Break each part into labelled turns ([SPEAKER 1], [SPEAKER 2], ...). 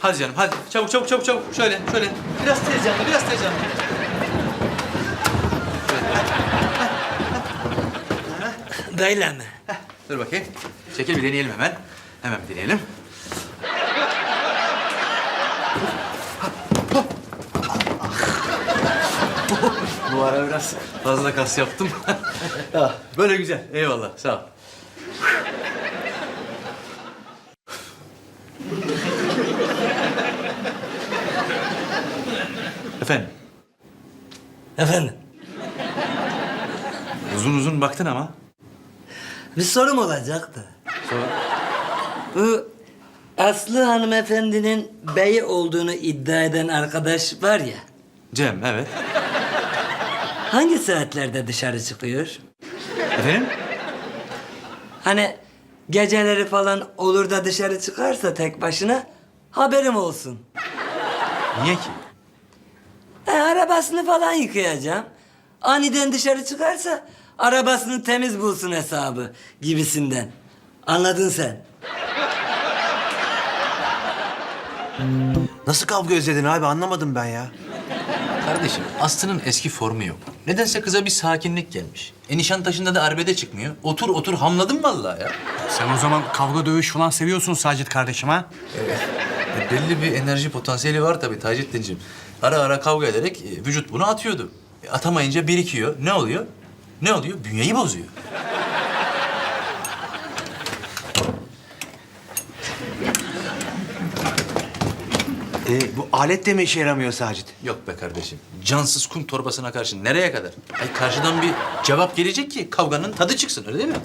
[SPEAKER 1] Hadi canım hadi. Çabuk çabuk çabuk çabuk. Şöyle şöyle. Biraz tez canlı biraz tez canlı.
[SPEAKER 2] Böyle mi?
[SPEAKER 1] Dur bakayım. Çekil bir deneyelim hemen. Hemen bir deneyelim. Bu ara biraz fazla kas yaptım. Böyle güzel. Eyvallah. Sağ ol. Efendim?
[SPEAKER 2] Efendim,
[SPEAKER 1] Uzun uzun baktın ama.
[SPEAKER 2] bir sorum olacaktı.
[SPEAKER 1] Sonra...
[SPEAKER 2] Bu Aslı hanımefendinin beyi olduğunu iddia eden arkadaş var ya,
[SPEAKER 1] Cem, evet.
[SPEAKER 2] hangi saatlerde dışarı çıkıyor?
[SPEAKER 1] Efendim?
[SPEAKER 2] Hani geceleri falan olur da dışarı çıkarsa tek başına haberim olsun.
[SPEAKER 1] Niye ki?
[SPEAKER 2] Arabasını falan yıkayacağım. Aniden dışarı çıkarsa arabasını temiz bulsun hesabı gibisinden. Anladın sen?
[SPEAKER 3] Nasıl kavga özledin abi anlamadım ben ya.
[SPEAKER 1] Kardeşim, Aslı'nın eski formu yok. Nedense kıza bir sakinlik gelmiş. Nişantaşı'nda da arbede çıkmıyor. Otur otur hamladım vallahi ya.
[SPEAKER 4] Sen o zaman kavga dövüş falan seviyorsun Sacit kardeşim ha?
[SPEAKER 1] Belli bir enerji potansiyeli var tabii Taceddin'ciğim. Ara ara kavga ederek vücut bunu atıyordu. Atamayınca birikiyor. Ne oluyor? Ne oluyor? Bünyeyi bozuyor.
[SPEAKER 3] Bu alet de mi işe yaramıyor Sacit?
[SPEAKER 1] Yok be kardeşim. Cansız kum torbasına karşı nereye kadar? Ay karşıdan bir cevap gelecek ki kavganın tadı çıksın öyle değil mi?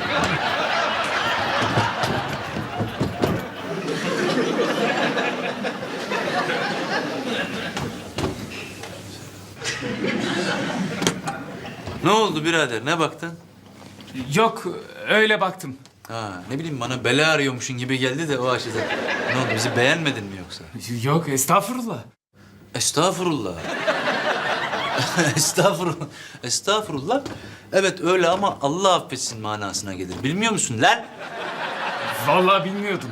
[SPEAKER 1] Ne oldu birader? Ne baktın?
[SPEAKER 5] Yok, öyle baktım.
[SPEAKER 1] Ha, ne bileyim bana bela arıyormuşsun gibi geldi de o açıdan. Ne oldu? Bizi beğenmedin mi yoksa?
[SPEAKER 5] Yok, estağfurullah.
[SPEAKER 1] Estağfurullah. Estağfurullah. Estağfurullah. Evet öyle ama Allah affetsin manasına gelir. Bilmiyor musun lan?
[SPEAKER 5] Vallahi bilmiyordum.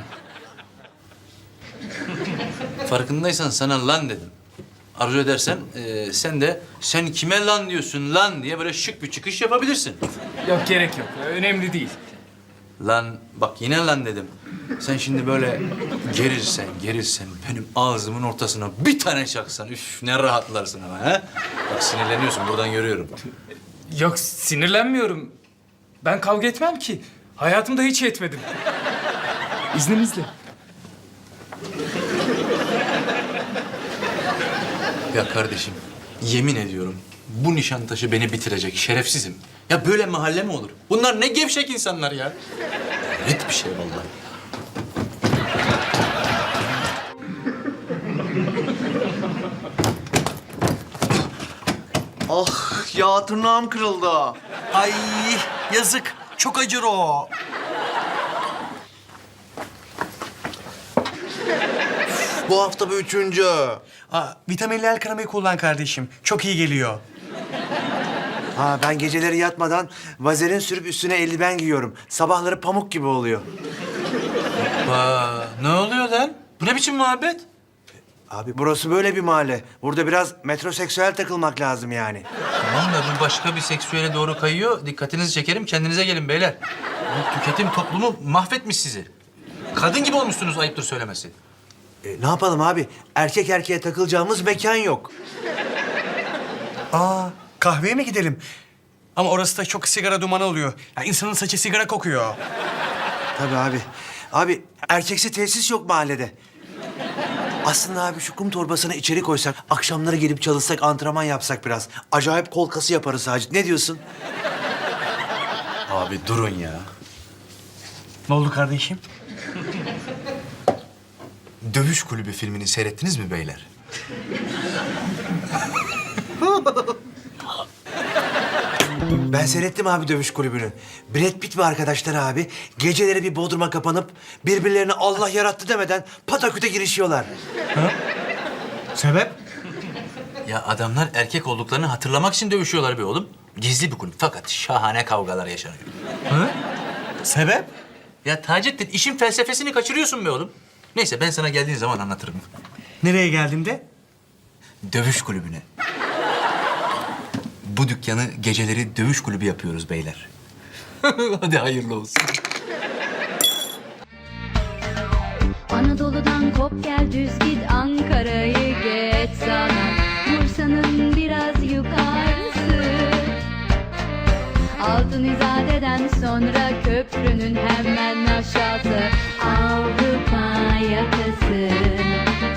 [SPEAKER 1] Farkındaysan sana lan dedim. Arzu edersen sen de sen kime lan diyorsun lan diye böyle şık bir çıkış yapabilirsin.
[SPEAKER 5] Yok, gerek yok. Önemli değil.
[SPEAKER 1] Lan bak yine lan dedim. Sen şimdi böyle gerilsen benim ağzımın ortasına bir tane çaksan üf ne rahatlarsın ama ha? Bak sinirleniyorsun buradan görüyorum.
[SPEAKER 5] Yok, sinirlenmiyorum. Ben kavga etmem ki. Hayatımda hiç etmedim. İzninizle.
[SPEAKER 1] Ya kardeşim yemin ediyorum bu Nişantaşı beni bitirecek şerefsizim. Ya böyle mahalle mi olur? Bunlar ne gevşek insanlar ya. Net bir şey vallahi.
[SPEAKER 3] Ah ya tırnağım kırıldı.
[SPEAKER 4] Ay yazık. Çok acır o.
[SPEAKER 3] Bu hafta bu üçüncü.
[SPEAKER 4] Vitaminli el kremayı kullan kardeşim. Çok iyi geliyor.
[SPEAKER 3] Ha ben geceleri yatmadan vazelin sürüp üstüne eldiven giyiyorum. Sabahları pamuk gibi oluyor.
[SPEAKER 1] Ne oluyor lan? Bu ne biçim muhabbet?
[SPEAKER 3] Abi burası böyle bir mahalle. Burada biraz metroseksüel takılmak lazım yani.
[SPEAKER 1] Tamam da bu başka bir seksüele doğru kayıyor. Dikkatinizi çekerim, kendinize gelin beyler. Bu tüketim toplumu mahvetmiş sizi. Kadın gibi olmuşsunuz ayıptır söylemesi.
[SPEAKER 3] Ne yapalım abi? Erkek erkeğe takılacağımız mekan yok.
[SPEAKER 4] Kahveye mi gidelim? Ama orası da çok sigara dumanı oluyor. Ya insanın saçı sigara kokuyor.
[SPEAKER 3] Tabii abi. Abi erkeksi tesis yok mahallede. Aslında abi şu kum torbasını içeri koysak, akşamları gelip çalışsak, antrenman yapsak biraz. Acayip kol kası yaparız Sacit. Ne diyorsun?
[SPEAKER 1] Abi durun ya.
[SPEAKER 4] Ne oldu kardeşim?
[SPEAKER 1] Dövüş Kulübü filmini seyrettiniz mi beyler?
[SPEAKER 3] Ben seyrettim abi dövüş kulübünü. Brad Pitt ve arkadaşlar abi geceleri bir bodruma kapanıp birbirlerine Allah yarattı demeden pataküte girişiyorlar.
[SPEAKER 4] Sebep?
[SPEAKER 1] Ya adamlar erkek olduklarını hatırlamak için dövüşüyorlar be oğlum. Gizli bir kulüp fakat şahane kavgalar yaşanıyor.
[SPEAKER 4] Sebep?
[SPEAKER 1] Ya Taceddin işin felsefesini kaçırıyorsun be oğlum. Neyse ben sana geldiğin zaman anlatırım.
[SPEAKER 4] Nereye geldiğimde?
[SPEAKER 1] Dövüş kulübüne. Bu dükkanı geceleri dövüş kulübü yapıyoruz beyler. Hadi hayırlı olsun.
[SPEAKER 6] Anadolu'dan kop gel düz git Ankara'yı geç sana Bursa'nın biraz yukarısı Altın İzade'den sonra köprünün hemen aşağısı Avrupa yakası